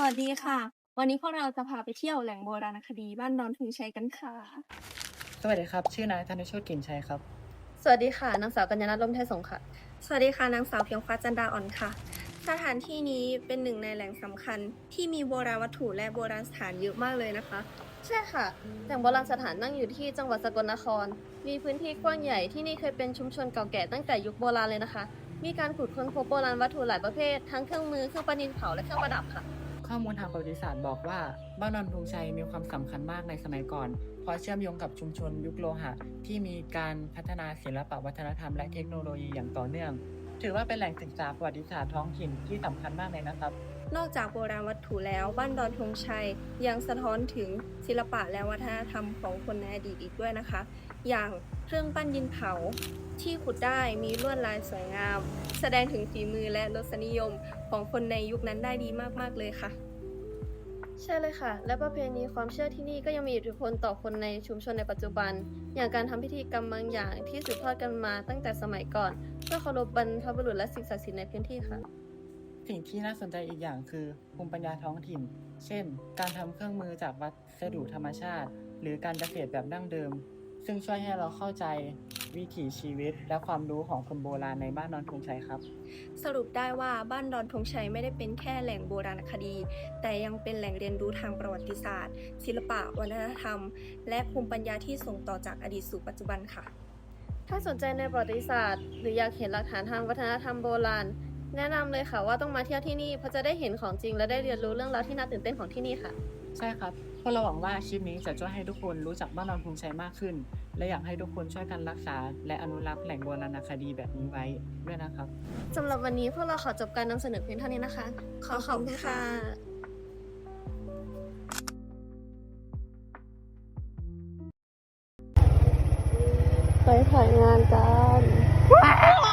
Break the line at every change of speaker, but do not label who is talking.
วัสดีค่ะ วันนี้พวกเราจะพาไปเที่ยวแหล่งโบราณคดีบ้านดอนธงชัยกันค่ะ
สวัสดีครับ ชื่อนายธนโชติกลิ่นชัยครับ
สวัสดีค่ะนางสาวกัญญาณัฐ ร่มไทยสงฆ์ค่ะ
สวัสดีค่ะนางสาวเพียงฟ้าจันดาอ่อนค่ะ สถานที่นี้เป็นหนึ่งในแหล่งสำคัญที่มีโบราณวัตถุและโบราณสถานเยอะมากเลยนะคะ
ใช่ค่ะแหล่งโบราณสถานตั้งอยู่ที่จังหวัดสกลนคร มีพื้นที่กว้างใหญ่ที่นี่เคยเป็นชุมชนเก่าแก่ตั้งแต่ยุคโบราณเลยนะคะ มีการขุดค้นพบโบราณวัตถุหลายประเภททั้งเครื่องมือเครื่องประดิษฐ์เผาและเครื่องประดับค่ะ
ข้อมูลทางประวัติศาสตร์บอกว่าบ้านดอนธงชัยมีความสำคัญมากในสมัยก่อน เพราะเชื่อมโยงกับชุมชนยุคโลหะที่มีการพัฒนาศิลปวัฒนธรรมและเทคโนโลยีอย่างต่อเนื่อง ถือว่าเป็นแหล่งศึกษาประวัติศาสตร์ท้องถิ่นที่สำคัญมากเลยนะครับ
นอกจากโบราณวัตถุแล้วบ้านดอนธงชัยยังสะท้อนถึงศิลปะและวัฒนธรรมของคนในอดีตอีกด้วยนะคะ อย่างเครื่องปั้นดินเผาที่ขุดได้มีลวดลายสวยงาม แสดงถึงฝีมือและรสนิยมของคนในยุคนั้นได้ดีมากๆเลยค่ะ
ใช่เลยค่ะ และประเพณีความเชื่อที่นี่ก็ยังมีอิทธิพลต่อคนในชุมชนในปัจจุบัน อย่างการทำพิธีกรรมบางอย่างที่สืบทอดกันมาตั้งแต่สมัยก่อน เพื่อเคารพบรรพบุรุษและสิ่งศักดิ์สิทธิ์ในพื้นที่ค่ะ
สิ่งที่น่าสนใจอีกอย่างคือภูมิปัญญาท้องถิ่น เช่น การทำเครื่องมือจากวัสดุธรรมชาติ หรือการเกษตรแบบดั้งเดิม ซึ่งช่วยให้เราเข้าใจวิถีชีวิตและความรู้ของคนโบราณในบ้านดอนธงชัยครับ
สรุปได้ว่าบ้านดอนธงชัยไม่ได้เป็นแค่แหล่งโบราณคดี แต่ยังเป็นแหล่งเรียนรู้ทางประวัติศาสตร์ ศิลปะวัฒนธรรม และภูมิปัญญาที่ส่งต่อจากอดีตสู่ปัจจุบันค่ะ
ถ้าสนใจในประวัติศาสตร์หรืออยากเห็นหลักฐานทางวัฒนธรรมโบราณ แนะนำเลยค่ะว่าต้องมาเที่ยวที่นี่เพราะจะได้เห็นของจริงและได้เรียนรู้เรื่องราวที่น่าตื่นเต้นของที่นี่ค่ะ
ใช่ครับพวกเราหวังว่าคลิปนี้จะช่วยให้ทุกคนรู้จักบ้านดอนธงชัยมากขึ้น และอยากให้ทุกคนช่วยกันรักษา และอนุรักษ์แหล่งโบราณคดีแบบนี้ไว้ด้วยนะครับ
สำหรับวันนี้พวกเราขอจบการนำเสนอเพียงเท่านี้นะคะ ขอขอบคุณค่ะ ไปถ่ายงานกัน